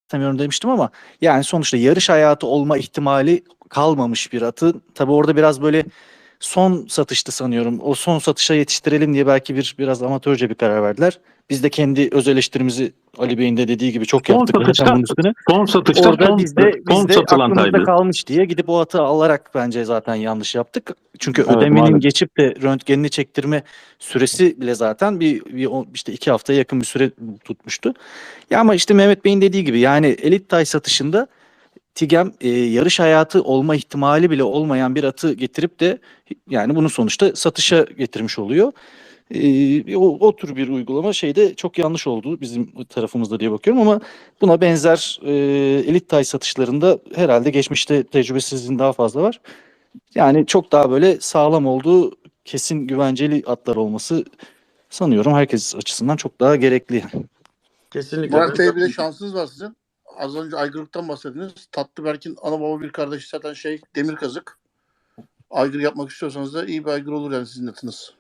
istemiyorum demiştim ama yani sonuçta yarış hayatı olma ihtimali kalmamış bir atı. Tabii orada biraz böyle son satıştı sanıyorum. O son satışa yetiştirelim diye belki biraz amatörce bir karar verdiler. Biz de kendi öz eleştirimizi Ali Bey'in de dediği gibi çok Son yaptık zaten satışta bunun üstüne. son satışta Orada son bizde satılan aklımızda taydı. kalmış diye gidip o atı alarak bence zaten yanlış yaptık. Çünkü Evet, ödemenin maalesef. geçip de röntgenini çektirme süresi bile zaten işte 2 haftaya yakın bir süre tutmuştu. Ya ama işte Mehmet Bey'in dediği gibi yani elit tay satışında Tigem yarış hayatı olma ihtimali bile olmayan bir atı getirip de yani bunu sonuçta satışa getirmiş oluyor. O tür bir uygulama şeyde çok yanlış oldu bizim tarafımızda diye bakıyorum ama buna benzer elit tay satışlarında herhalde geçmişte tecrübesizliğin daha fazla var. Yani çok daha böyle sağlam olduğu kesin güvenceli atlar olması sanıyorum herkes açısından çok daha gerekli. Kesinlikle. Murat Bey bir de şansınız var sizin. Az önce aygırlıktan bahsettiniz. Tatlıberk'in ana baba bir kardeşi zaten demir kazık. Aygır yapmak istiyorsanız da iyi bir aygır olur yani sizin atınız.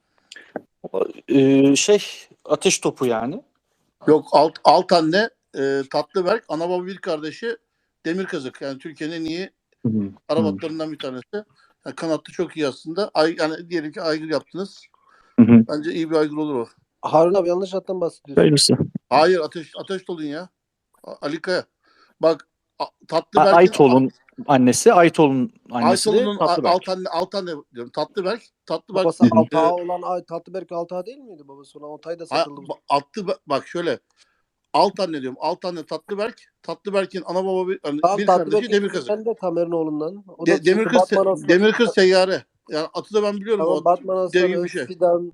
Ateş topu yani. Yok alt anne Tatlıberk ana baba bir kardeşi demir kazık. Yani Türkiye'nin en iyi Arap atlarından bir tanesi. Yani kanatlı çok iyi aslında. Yani diyelim ki aygır yaptınız. Bence iyi bir aygır olur o. Harun abi yanlış attan bahsediyorsun. Hayırlısı. Hayır ateş dolun ya. Ali Kaya. Bak Tatlıberk'in Aytol'un annesi, Aytol'un annesi de Aytolu'nun Tatlıberk. alt anne diyorum. Tatlıberk Babası Altağı olan Tatlıberk Altağı değil miydi babası? Ona Altay da satıldı. bak şöyle. Alt anne diyorum. Alt anne Tatlıberk. Tatlıberk'in ana baba bir kardeşi Tatlıberk'in Demir Kazık. Ben de Tamer'in oğlundan. O da Demir Kız Seyyare. Yani atı da ben biliyorum. Tamam, O Batman dev gibi Aslanı, bir şey. Fidan.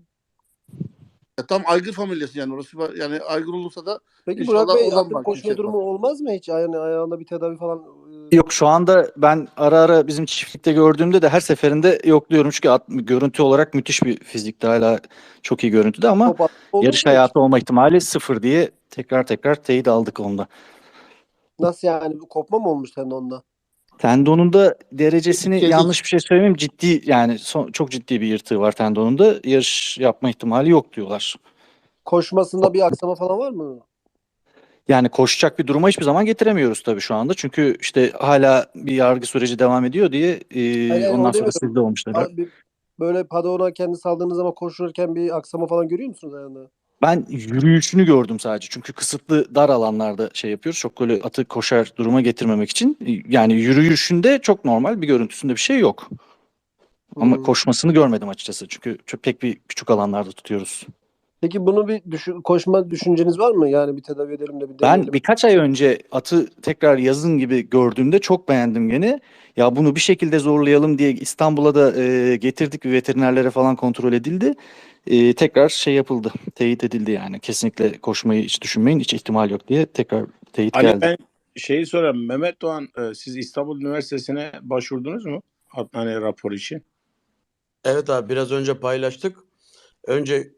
Tam aygır familyası yani orası. Yani aygır olursa da Peki İnşallah Burak Bey oradan atın bak, koşma yüksek durumu olmaz mı hiç? Yani ayağında bir tedavi falan. Yok şu anda ben ara ara bizim çiftlikte gördüğümde de her seferinde yokluyorum. Çünkü görüntü olarak müthiş bir fizikte hala çok iyi görüntüde ama Top oldu yarış mu hiç? hayatı olma ihtimali sıfır diye tekrar teyit aldık onda. Nasıl yani? Kopma mı olmuş tendonda? Tendonunda derecesini Kezik. yanlış bir şey söylemeyeyim ciddi yani çok ciddi bir yırtığı var tendonunda. Yarış yapma ihtimali yok diyorlar. Koşmasında bir aksama falan var mı? Yani koşacak bir duruma hiçbir zaman getiremiyoruz tabii şu anda. Çünkü işte hala bir yargı süreci devam ediyor diye Hayır, ondan o sonra demiyorum. sizde olmuşlar. Abi, böyle padona kendi saldığınız zaman koşurken bir aksama falan görüyor musunuz ayağında? Ben yürüyüşünü gördüm sadece. Çünkü kısıtlı dar alanlarda şey yapıyoruz. Çok böyle atı koşar duruma getirmemek için. Yani yürüyüşünde çok normal bir görüntüsünde bir şey yok. Ama koşmasını görmedim açıkçası. Çünkü pek bir küçük alanlarda tutuyoruz. Peki bunu koşma düşünceniz var mı? Yani bir tedavi edelim de bir Ben deneyelim. birkaç ay önce atı tekrar yazın gibi gördüğümde çok beğendim gene. Ya bunu bir şekilde zorlayalım diye İstanbul'a da getirdik ve veterinerlere falan kontrol edildi. Tekrar şey yapıldı, teyit edildi yani. Kesinlikle koşmayı hiç düşünmeyin, hiç ihtimal yok diye tekrar teyit Ali geldi. ben şeyi sorayım. Mehmet Doğan siz İstanbul Üniversitesi'ne başvurdunuz mu? Hani rapor için. Evet abi biraz önce paylaştık. Önce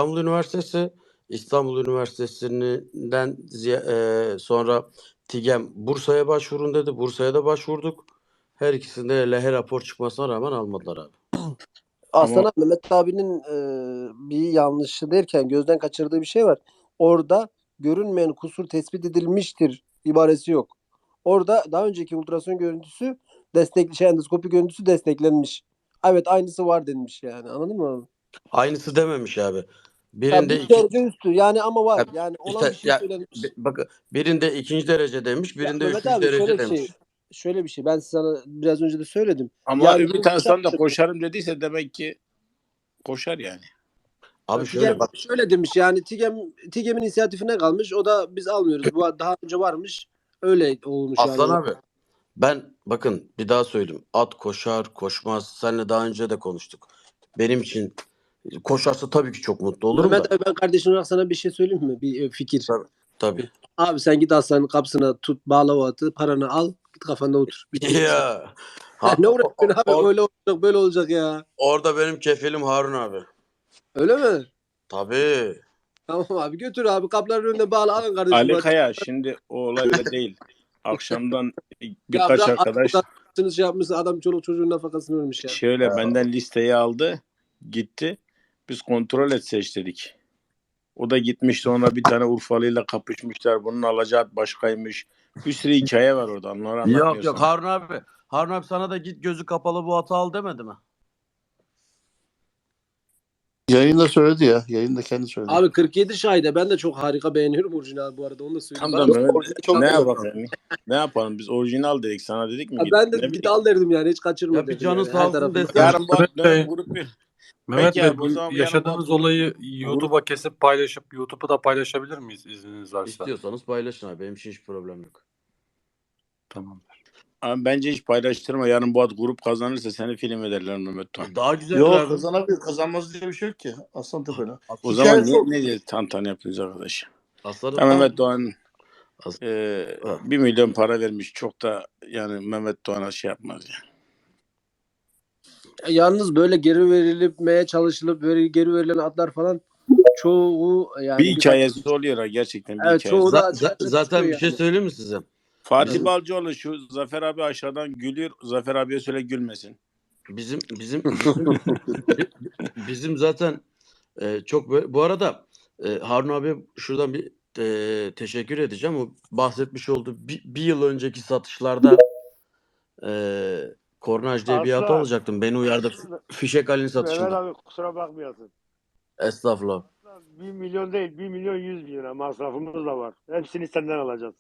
İstanbul Üniversitesi'nden sonra TİGEM Bursa'ya başvurun dedi. Bursa'ya da başvurduk. Her ikisinde lehe rapor çıkmasına rağmen almadılar abi. Aslında Mehmet abinin bir yanlışı derken gözden kaçırdığı bir şey var. Orada görünmeyen kusur tespit edilmiştir ibaresi yok. Orada daha önceki ultrason görüntüsü endoskopi görüntüsü desteklenmiş. Evet aynısı var denmiş yani. Anladın mı abi? Aynısı dememiş abi. Ya Birinde bir derece üstü yani ama var. Ya, Yani olan işte bir şey söylenmiş. bakın birinde 2. derece demiş, Ya birinde Mehmet 3. abi derece demiş. şöyle bir şey. Ben sana biraz önce de söyledim. Ama Yani Ümit Aslan da koşarım dediyse demek ki koşar yani. Abi şöyle bak. Şöyle demiş yani TİGEM'in inisiyatifine kalmış. O da biz almıyoruz. Bu daha önce varmış. Öyle olmuş Aslan yani. abi ben bakın bir daha söyleyeyim. At koşar koşmaz. Seninle daha önce de konuştuk. Benim için koşarsa tabii ki çok mutlu olurum Mehmet da. abi ben kardeşim olarak sana bir şey söyleyeyim mi? Bir fikir. Tabii. Abi sen git hastanenin kapısına tut bağla o atı paranı al git kafanda otur. Ya. Ne uğraşıyorsun abi öyle olacak böyle olacak ya. Orada benim kefilim Harun abi. Öyle mi? Tabii. Tamam abi götür abi kapıların önünde bağla alın kardeşim. Ali Kaya şimdi o olay öyle değil. Akşamdan Ya birkaç bırak arkadaş şey yapmışsın adam çoluk çocuğun nafakasını vermiş ya. şöyle benden listeyi aldı gitti. Biz kontrol etse istedik. O da gitmiş sonra bir tane Urfalı'yla kapışmışlar. Bunun alacağı at başkaymış. Bir sürü hikaye var orada. Onları anlatmıyor Yok sana. Harun abi. Harun abi sana da git gözü kapalı bu atı al demedi mi? Yayında söyledi ya. Yayında kendi söyledi. Abi 47 şahide ben de çok harika beğeniyorum orijinal abi bu arada onu da söyleyeyim. Tam da Ben, Mehmet, Orijinal çok ne güzel. yapalım? Ne yapalım? Biz orijinal dedik. Sana dedik mi? Abi Git, ben de ne git bileyim. al derdim yani hiç kaçırma Ya bir derdim canın yani. sağ Her olsun tarafını. desin. Yarın bu Mehmet Bey, grup bir. Mehmet Peki Bey, abi, o bu zaman yarın yaşadığınız bu- olayı grup- YouTube'a kesip paylaşıp YouTube'u da paylaşabilir miyiz izniniz varsa? İstiyorsanız paylaşın abi. Benim için hiç problem yok. Tamamdır. Abi bence hiç paylaştırma. Yarın bu ad grup kazanırsa seni film ederler Mehmet Doğan. Daha güzel Yok abi. kazanabilir. Kazanmaz diye bir şey yok ki. Aslan Tepe'yle. O Hikaye zaman çok. ne diye tantana yapıyoruz arkadaş? Aslanım Ya Mehmet Doğan As- 1 milyon para vermiş. Çok da yani Mehmet Doğan'a şey yapmaz yani. Yalnız böyle geri verilmeye çalışılıp böyle geri verilen atlar falan çoğu yani Bir hikayesi oluyor ha, gerçekten bir Evet, hikayesi. çoğu da açık zaten bir çıkıyor şey yani. söyleyeyim mi size? Fatih Bizim- Balcıoğlu şu Zafer abi aşağıdan gülüyor. Zafer abiye söyle gülmesin. Bizim zaten çok böyle. Bu arada Harun abi şuradan bir teşekkür edeceğim. O bahsetmiş olduğu bir yıl önceki satışlarda Kornaj diye bir at Aslan. alacaktım. Beni uyardı. Fişek Ali'nin Mehmet satışında. abi kusura bakmayasın. Estağfurullah. 1 milyon değil 1 milyon 100 bin lira masrafımız da var. Hepsini senden alacağız.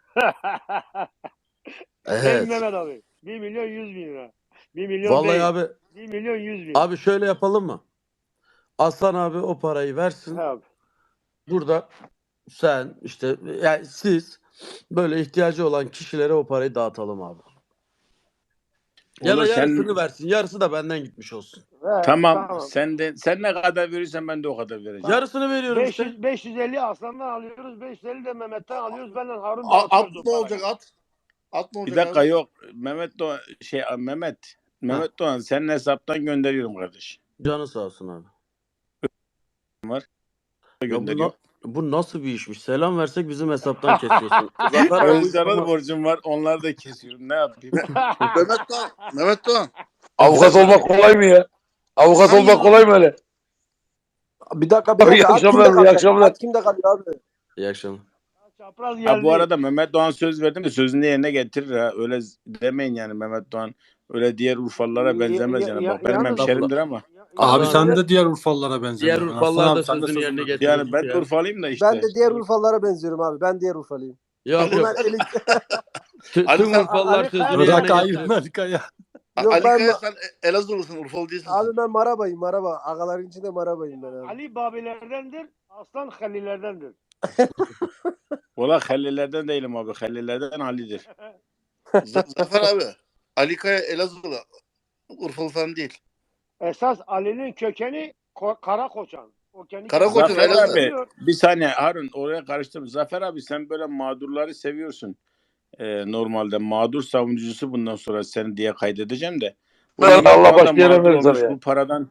Değil mi Evet. Mehmet abi? 1 milyon 100 bin lira. 1 milyon Vallahi değil. abi 1 milyon 100 bin. abi şöyle yapalım mı? Aslan abi o parayı versin. He abi. Burada sen işte yani siz böyle ihtiyacı olan kişilere o parayı dağıtalım abi. Ya da Olur, sen- yarısını versin. Yarısı da benden gitmiş olsun. He, Tamam. Sen ne kadar verirsen ben de o kadar vereceğim. Yarısını veriyorum işte. 550 Aslan'dan alıyoruz. 550 de Mehmet'ten alıyoruz. Benden Harun At dağıtıyoruz o ne parayı. olacak at? At ne Bir olacak dakika abi? yok. Mehmet Doğan senin hesaptan gönderiyorum kardeş. Canı sağ olsun abi. Ya Gönderiyorum. bu nasıl bir işmiş? Selam versek bizim hesaptan kesiyorsun. Zafer abi bu iş Özcan'a da ama- borcum var. Onları da kesiyorum. Ne yapayım? Mehmet Doğan. Avukat olmak kolay mı ya? Avukat olmak kolay mı öyle? Bir dakika Abi, iyi At kimde akşamlar, iyi kalıyor? akşamlar. At kimde kalıyor abi? İyi akşamlar. Çapraz geldi. Ha, bu arada Mehmet Doğan söz verdi mi sözünü yerine getirir ha. Öyle demeyin yani Mehmet Doğan. Öyle diğer Urfalılara benzemez yani. Bak benim yalnız- hemşerimdir ama. Abi Abi- sen de diğer Urfalılara benziyorsun. Diğer Aslan Urfalılar abi, da sen de sözünü yerine sözünü- getiriyor. Yani ben ya. Urfalıyım da işte. Ben de diğer Urfalılara benziyorum abi. Ben diğer Urfalıyım. Yok Bunlar yok. elik... Tüm Ali sen- Urfalılar Ali- sözünü Ali- yerine Bırak ayıp getiriyor. Melika ya. Yok, Ali ben- Kaya sen Elazığlısın. Urfalı değilsin. Abi ben Marabayım Maraba. Agaların içinde Marabayım ben abi. Ali Babilerdendir. Aslan Halillerdendir. Valla Hallilerden değilim abi. Hallilerden Ali'dir. Zafer abi. Ali Kaya Elazığlı. Urfalı falan değil. Esas Ali'nin kökeni Karakoçan. O kendi Karakoçan, Zafer Elazığ. abi bir saniye Harun oraya karıştırma. Zafer abi sen böyle mağdurları seviyorsun. Normalde mağdur savunucusu bundan sonra seni diye kaydedeceğim de. Bu Ben Mehmet Allah Doğan da başka yere mağdur verir sana olmuş. ya.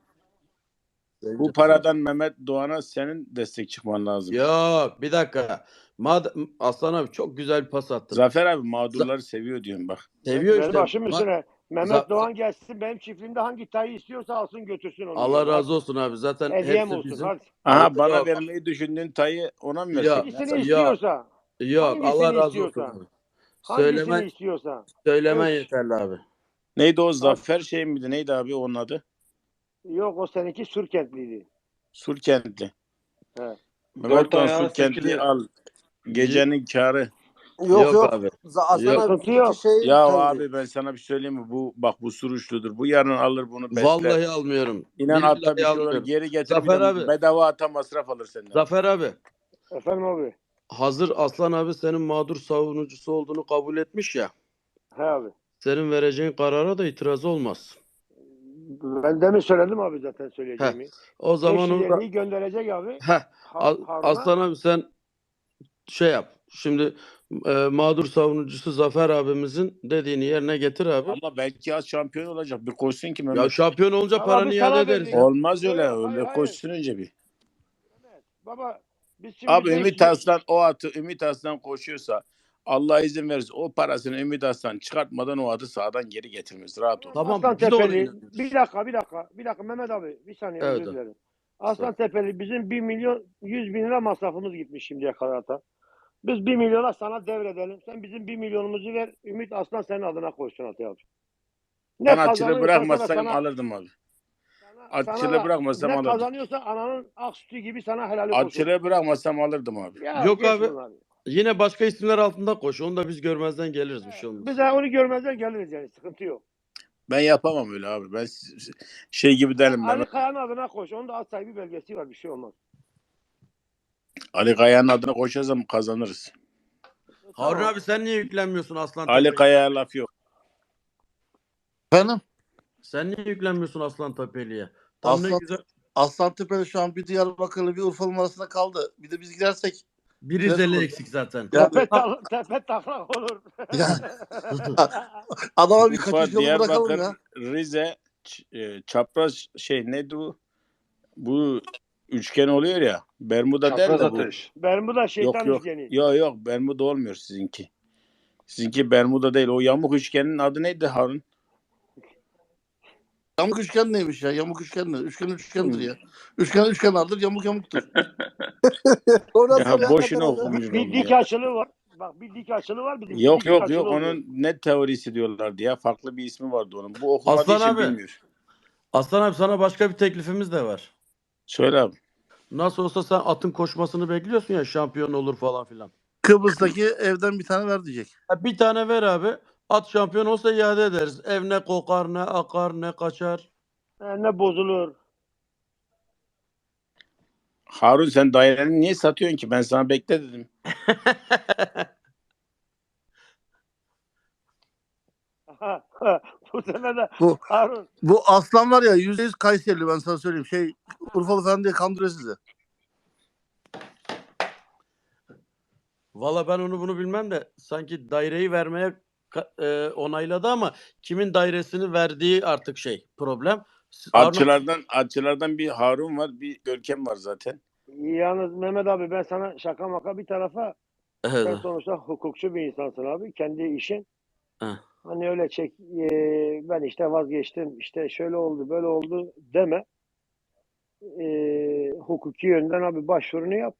Bu paradan Mehmet Doğan'a senin destek çıkman lazım. Yok bir dakika. Aslan abi çok güzel bir pas attın. Zafer abi mağdurları seviyor diyorum bak. Seviyor Benim işte. başım üstüne. Mehmet Za- Doğan gelsin benim çiftliğimde hangi tayı istiyorsa alsın götürsün onu. Allah razı olsun abi. Zaten Hediyem hepsi olsun. bizim. Hadi. Aha bana Yok. vermeyi düşündüğün tayı ona mı Ya, versin? Hangisini ya. istiyorsa. Yok Hangisini Allah razı istiyorsa. olsun abi. Hangisini istiyorsa. Söylemen Evet. yeterli abi. Neydi o Zafer şey miydi? Neydi abi onun adı? Yok o seninki Sürkentliydi. Surkentli. He. Mehmet Doğan Surkentli al. Gecenin karı. Yok yok. abi. Aslan Yok. abi Sıkıntı yok. iki şey Ya taydı. abi ben sana bir söyleyeyim mi? Bu bak bu suruçludur. Bu yarın alır bunu besler. Vallahi almıyorum. İnan Billahi atta bir şey olur. almıyorum. Geri getir bir Zafer de abi. bedava ata masraf alır senden. Zafer abi. Efendim abi. Hazır Aslan abi senin mağdur savunucusu olduğunu kabul etmiş ya. He abi. Senin vereceğin karara da itiraz olmaz. Ben demin söyledim abi zaten söyleyeceğimi. O zaman o 550'yi gönderecek abi. Heh, Harun'a. Aslan abi sen şey yap. Şimdi mağdur savunucusu Zafer abimizin dediğini yerine getir abi. Ama belki az şampiyon olacak. Bir koşsun ki Mehmet. Ya şampiyon olunca Ama paranı biz iade sana ederiz. verdik. ya. Olmaz öyle. Yok, Öyle hayır. koşsun önce bir. Baba biz şimdi Abi 500 Ümit Aslan o atı Ümit Aslan koşuyorsa Allah izin verirse o parasını Ümit Aslan çıkartmadan o atı sağdan geri getirmez. Rahat ol. Tamam, Aslan biz de ona Tepeli. inanıyoruz. Bir dakika Mehmet abi. Bir saniye Evet özür abi. dilerim. Aslan Tepeli bizim 1 milyon 100 bin lira masrafımız gitmiş şimdiye kadar ata. Biz 1 milyona sana devredelim. Sen bizim 1 milyonumuzu ver. Ümit Aslan senin adına koysun Atay abi. Ben Ne atçılığı kazanıyorsa da bırakmasam sana, alırdım abi. sana Atçılığı da bırakmasam ne alırdım. kazanıyorsa ananın ak sütü gibi sana helali olsun. Atçılığı bırakmasam alırdım abi. Ya Yok geç abi. bunları. Yine başka isimler altında koş. Onu da biz görmezden geliriz, bir şey olmaz. Biz de onu görmezden geliriz yani. Sıkıntı yok. Ben yapamam öyle abi. Ben şey gibi derim Ali ben. Kaya'nın adına koş. Onun da at sahibi belgesi var. Bir şey olmaz. Ali Kaya'nın adına koşarsam kazanırız. Harun abi sen niye yüklenmiyorsun Aslan Ali Tepeli'ye? Kaya'ya laf yok. Efendim? Sen niye yüklenmiyorsun Aslan Tepeli'ye? Tam ne Aslan, güzel. Aslantepe'de şu an bir Diyarbakırlı bir Urfalı arasında kaldı. Bir de biz gidersek Bir Biraz Rizeli olur. eksik zaten. yani, Tepe taklak olur. yani adama bir Urfa, kaçış yolu bırakalım Diyarbakır, ya. Rize, çapraz şey neydi bu? Bu üçgen oluyor ya. Bermuda der Çapraz de bu. ateş. Bermuda şeytan Yok. üçgeni. Yok Bermuda olmuyor sizinki. Sizinki Bermuda değil. O yamuk üçgenin adı neydi Harun? Yamuk üçgen neymiş ya? Yamuk üçgen ne? Üçgen üçgendir ya. Üçgen vardır, yamuk yamuktur. O nasıl Ya ya? boşuna Hakikaten okumuş Bir oldum dik ya. açılı var. Bak bir dik açılı var. Bizim Yok dik açılı oluyor. onun net teorisi diyorlardı ya. Farklı bir ismi vardı onun. Bu okumadığı Aslan için abi. bilmiyor. Aslan abi sana başka bir teklifimiz de var. Söyle abi. Nasıl olsa sen atın koşmasını bekliyorsun ya, şampiyon olur falan filan. Kıbrıs'taki evden bir tane ver diyecek. Bir tane ver abi. At şampiyon olsa iade ederiz. Ev ne kokar, ne akar, ne kaçar. Ne bozulur. Harun sen daireni niye satıyorsun ki? Ben sana bekle dedim. Bu sene de Bu Harun. bu aslan var ya %100 Kayserili, ben sana söyleyeyim. Urfalı falan diye kandırıyor sizi. Valla ben onu bunu bilmem de sanki daireyi vermeye onayladı ama kimin dairesini verdiği artık problem. Atçılardan bir Harun var, bir Görkem var zaten. Yalnız Mehmet abi ben sana şaka maka bir tarafa, sen Evet. sonuçta hukukçu bir insansın abi. Kendi işin. Heh. Hani öyle ben işte vazgeçtim, işte şöyle oldu böyle oldu deme. Hukuki yönden abi başvurunu yap.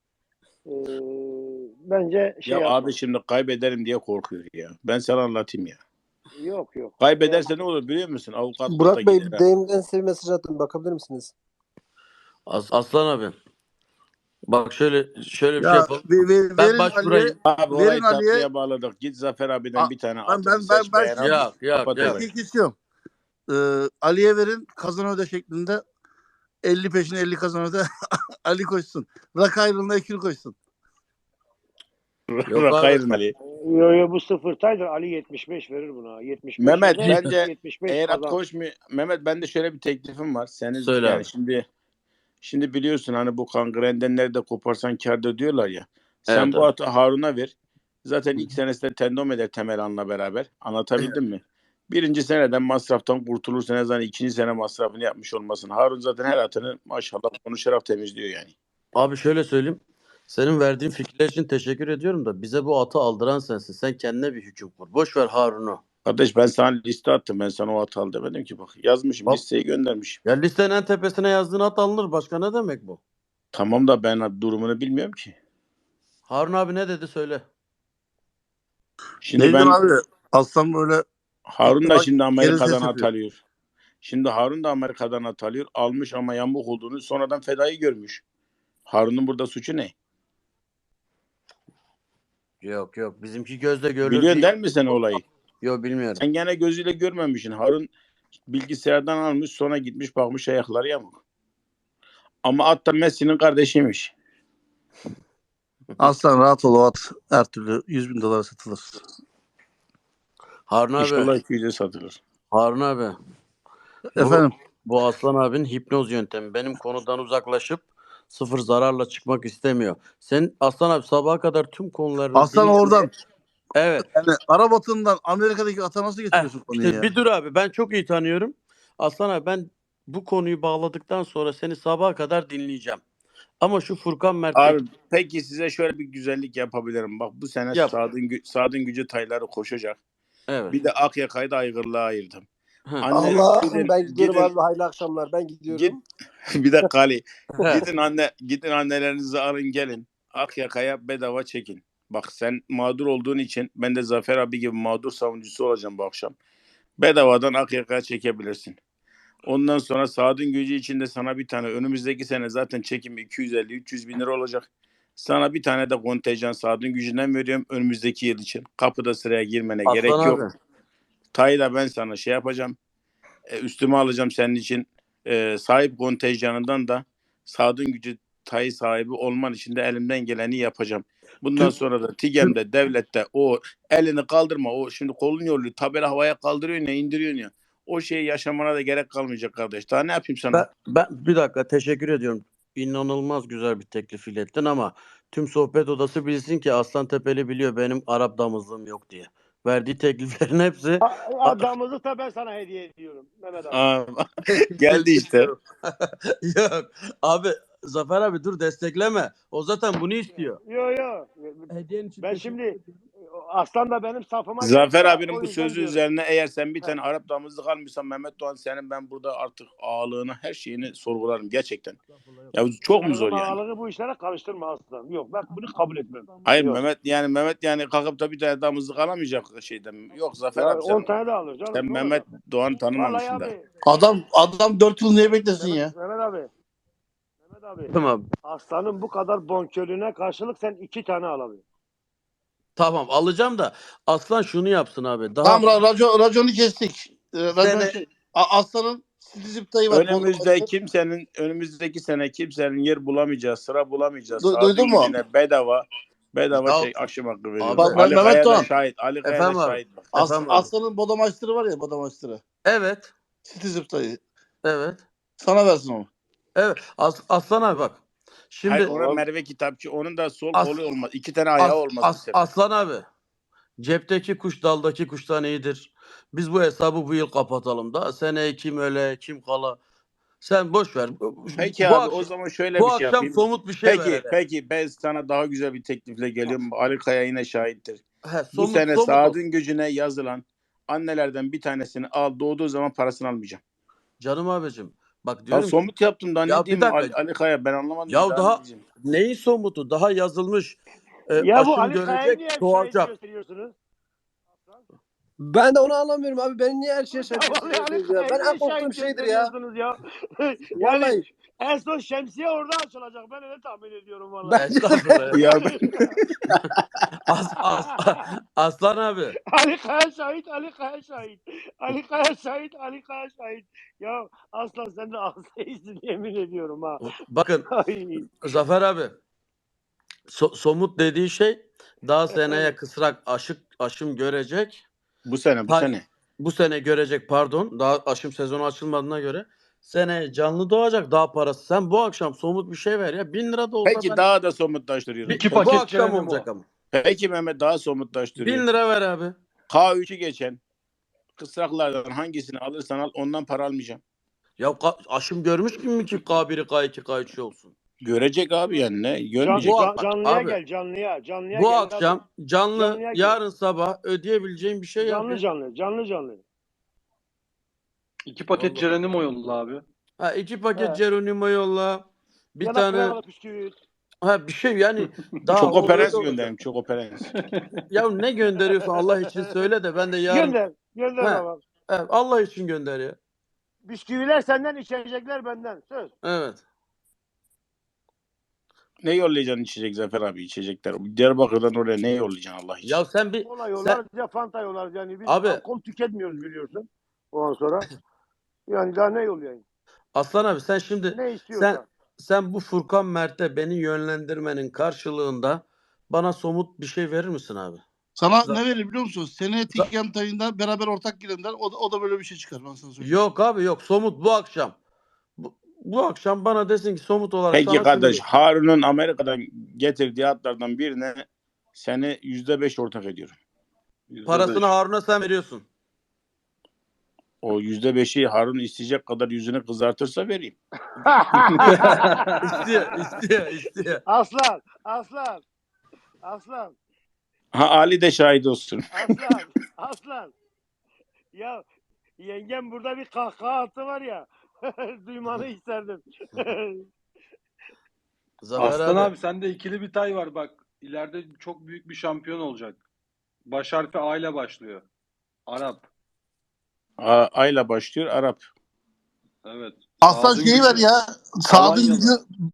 Bence Ya yapma. abi şimdi kaybederim diye korkuyor ya. Ben sana anlatayım ya. Yok. Kaybederse ne olur biliyor musun? Avukatlık da Burak Bey gider ha. deyimden size bir mesaj attım. Bakabilir misiniz? Aslan abi. Bak şöyle bir şey Ya yapalım. verin Ben Ali'ye. başvurayım. Abi Verin orayı Ali'ye. tatlıya bağladık. Git Zafer abiden bir tane atını Ben seç beğen. Yok. Kapat Yok. orayı. istiyorum. Ali'ye verin, kazan öde şeklinde 50 peşine 50 kazan öde. Ali koşsun. Rak ayrılığına ekil koşsun. Yok abi. Rakayırın Ali. Yo bu sıfırtaydır. Ali 75 verir buna. 75 Mehmet öder, bence 75 eğer at kazan. koşmuyor. Mehmet bende şöyle bir teklifim var. Senin Söyle yani abi. şimdi biliyorsun hani bu kangrenden nerede koparsan kârda diyorlar ya. Sen Evet bu abi. atı Harun'a ver. Zaten ilk senesinde tendom eder Temelan'la beraber. Anlatabildim mi? Birinci seneden masraftan kurtulursa ne zaman ikinci sene masrafını yapmış olmasın. Harun zaten her atını maşallah konuşarak temizliyor yani. Abi şöyle söyleyeyim. Senin verdiğin fikirler için teşekkür ediyorum da bize bu atı aldıran sensin. Sen kendine bir hüküm kur. Boş ver Harun'u. Kardeş ben sana liste attım. Ben sana o atı al demedim ki bak. Yazmışım Bak. listeyi göndermişim. Ya listenin en tepesine yazdığın at alınır. Başka ne demek bu? Tamam da ben durumunu bilmiyorum ki. Harun abi ne dedi söyle. Şimdi Neydi ben abi? Aslan böyle Harun da bak, şimdi geri Amerika'dan ses yapıyor. at alıyor. Şimdi Harun da Amerika'dan at alıyor. Almış ama yamuk olduğunu sonradan fedayı görmüş. Harun'un burada suçu ne? Yok. Bizimki gözle görülür Biliyorsun değil. değil mi sen olayı? Yok bilmiyorum. Sen gene gözüyle görmemişsin. Harun bilgisayardan almış sonra gitmiş bakmış ayakları yamuk. Ama at da Messi'nin kardeşiymiş. Aslan rahat ol, o at her türlü 100.000 dolara satılır. Harun abi. İnşallah 200'e satılır. Harun abi. Efendim? Bu Aslan abinin hipnoz yöntemi. Benim konudan uzaklaşıp sıfır zararla çıkmak istemiyor. Sen Aslan abi sabaha kadar tüm konularını Aslan dinle. oradan. Evet. Yani Arabat'ından Amerika'daki ata nasıl getiriyorsun konuyu İşte ya? bir dur abi. Ben çok iyi tanıyorum. Aslan abi ben bu konuyu bağladıktan sonra seni sabaha kadar dinleyeceğim. Ama şu Furkan Mert Abi peki size şöyle bir güzellik yapabilirim. Bak bu sene Yap. Sadın Gücü tayları koşacak. Evet. Bir de Akyaka'yı da Aygırlığa ayırdım. Anne Allah gidin, ben gidiyorum gidin, abi. Hayırlı akşamlar. Ben git. gidiyorum. Bir dakika Ali. Gidin annelerinizi alın gelin. Akyaka'ya bedava çekin. Bak sen mağdur olduğun için ben de Zafer abi gibi mağdur savunucusu olacağım bu akşam. Bedavadan Akyaka'ya çekebilirsin. Ondan sonra Saad'ın gücü içinde sana bir tane önümüzdeki sene zaten çekim 250-300 bin lira olacak. Sana bir tane de kontenjan Saad'ın gücünden veriyorum önümüzdeki yıl için. Kapıda sıraya girmene gerek Aslan yok. abi. Tayı da ben sana şey yapacağım. Üstüme alacağım senin için. Sahip kontenjanından da Saad'ın gücü tayı sahibi olman için de elimden geleni yapacağım. Bundan Tüm, sonra da tüm, TİGEM'de, devlette o elini kaldırma. O şimdi kolun yolluyor. Tabela havaya kaldırıyorsun ya, indiriyorsun ya. O şeyi yaşamana da gerek kalmayacak kardeş. Daha ne yapayım sana? ben bir dakika teşekkür ediyorum. İnanılmaz güzel bir teklif ilettin ama tüm sohbet odası bilsin ki Aslan Tepeli biliyor benim Arap damızlığım yok diye. Verdiği tekliflerin hepsi Damızlık da ben sana hediye ediyorum Mehmet abi. Aa, geldi Teşekkür işte. ediyorum. Yok abi Zafer abi dur destekleme. O zaten bunu istiyor. Yo. Hediyen için Ben teşekkür şimdi Aslan da benim safıma Zafer geçti ya, abinin o bu yüzden sözü diyorum. üzerine eğer sen bir He. tane Arap damızlık almışsan Mehmet Doğan senin ben burada artık ağalığını her şeyini sorgularım gerçekten. Ya bu çok mu zor yani? Ağalığı bu işlere karıştırma Aslan. Yok ben bunu kabul etmem. Hayır Yok. Mehmet yani kalkıp da bir tane damızlık alamayacak şeyden. Yok Zafer Ya abi 10 sen, tane de alır canım. sen Ne Mehmet olacak? Doğan'ı Vallahi tanımamışsın da. abi. Adam 4 yıl niye beklesin ya? Mehmet abi. Mehmet abi. Tamam. Aslanın bu kadar bonkörlüğüne karşılık sen 2 tane alabiliyorsun. Tamam alacağım da Aslan şunu yapsın abi. Daha Tamam raconu kestik. Racon Sene- Aslan'ın Stizip dayı var. Önümüzdeki sene kimsenin yer bulamayacağı, sıra bulamayacağı, Duydun Saad'ın mu? gücüne bedava Ya- şey aşım hakkı veriyorum. Abi- Ali Mehmet Kaya da Doğan. şahit. Ali Kaya da Efendim abi. şahit bak. Efendim abi. Aslan'ın Bodamaçtırı var ya Bodamaçtırı. Evet. Stizip dayı. Evet. Sana versin onu. Evet. Aslan abi bak. Şimdi Hayır ona Merve Kitapçı onun da sol As- kolu olmaz. 2 tane ayağı olmaz bu sefer. Aslan abi. Cepteki kuş daldaki kuştan iyidir. Biz bu hesabı bu yıl kapatalım da. Seneye kim öle kim kala. Sen boş ver. Peki bu abi akşam, o zaman şöyle bu bir şey akşam yapayım. somut bir şey ver hele. Peki ben sana daha güzel bir teklifle geliyorum. Ali Kaya yine şahittir. He, Bu sene somut Saad'ın gücüne yazılan annelerden bir tanesini al doğduğu zaman parasını almayacağım. Canım abicim. Bak Ya diyorum ki, somut yaptım daha Ya ne bir diyeyim dakika. Ali Kaya ben anlamadım. Ya ne daha diyeceğim? neyin somutu? Daha yazılmış. Ya bu Aşım Ali Kaya'yı niye görecek, hep şahit doğacak. gösteriyorsunuz? Ben de onu anlamıyorum abi. Beni niye her şeye şahit Vallahi Ali gösteriyorsunuz ya? Ben Kaya'yı en niye korktuğum şahit şeydir ya. gösteriyorsunuz ya? Vallahi. Yani en son şemsiye orada açılacak. Ben öyle tahmin ediyorum vallahi. Estağfurullah. Ya Aslan abi. Ali Kaya şahit, Ali Kaya şahit. Ali Kaya şahit, Ali Kaya şahit. Ya aslan sen de ağzıyızın yemin ediyorum ha. Bakın Ay. Zafer abi. Somut dediği şey daha seneye kısrak aşım görecek. bu sene Bu sene görecek pardon. Daha aşım sezonu açılmadığına göre. Seneye canlı doğacak daha parası. Sen bu akşam somut bir şey ver ya. 1000 lira da olsa Peki ben... daha da somutlaştırıyorum. İki Bu paket akşam cehennem olacak o. ama. Peki Mehmet daha 1000 somutlaştırıyorum. lira ver abi. K3'ü geçen kısraklardan hangisini alırsan al ondan para almayacağım. Ya aşım görmüş mi ki K1'i K2 K3 olsun? Görecek abi yani ne? Görmeyecek. Canlıya Abi, gel, canlıya. Canlıya Bu gel akşam abi. canlı Canlıya gel. yarın sabah ödeyebileceğin bir şey yap. Canlı. 2 paket Vallahi. cehennem o yolla abi. Ha 2 paket He. Geronimo yolla. Bir Ya da tane kremalı bisküvit. ha bir şey yani daha Çok o operans öyle olacak. gönderim. Çok operans. Ya ne gönderiyorsun Allah için söyle de ben de yarın Gönder He. baba. Evet, Allah için gönder ya. Bisküviler senden, içecekler benden. Söz. Evet. Ne yollayacaksın içecek Zafer abi içecekler. Diyarbakır'dan oraya ne yollayacaksın Allah için? Ya sen bir Kola yollarız ya Fanta yollarız. Yani biz Abi. alkol tüketmiyoruz biliyorsun. Ondan sonra. Yani daha ne yollayayım? Aslan abi sen şimdi Ne istiyorsan. sen bu Furkan Mert'e beni yönlendirmenin karşılığında bana somut bir şey verir misin abi? Sana ne verir biliyor musun? Seneye TİGEM tayında beraber ortak girenler o da böyle bir şey çıkar ben sana söyleyeyim. Yok abi yok somut bu akşam. Bu akşam bana desin ki somut olarak Peki sana kardeş şunu- Harun'un Amerika'dan getirdiği atlardan birine seni %5 ortak ediyorum. %5. Parasını Harun'a sen veriyorsun. O %5'i Harun isteyecek kadar yüzünü kızartırsa vereyim. İstiyor. Aslan. Ha Ali de şahit olsun. Aslan. Ya Yengem burada bir kahkaha attı var ya. Duymanı isterdim. Zafer Aslan abi. abi sende ikili bir tay var bak. İleride çok büyük bir şampiyon olacak. Baş harfi A ile başlıyor. Arap. Ayla başlıyor Arap. Evet. Aslan Saad'ın şeyi ver gücü ya. Saad'ın Alanya'da. gücü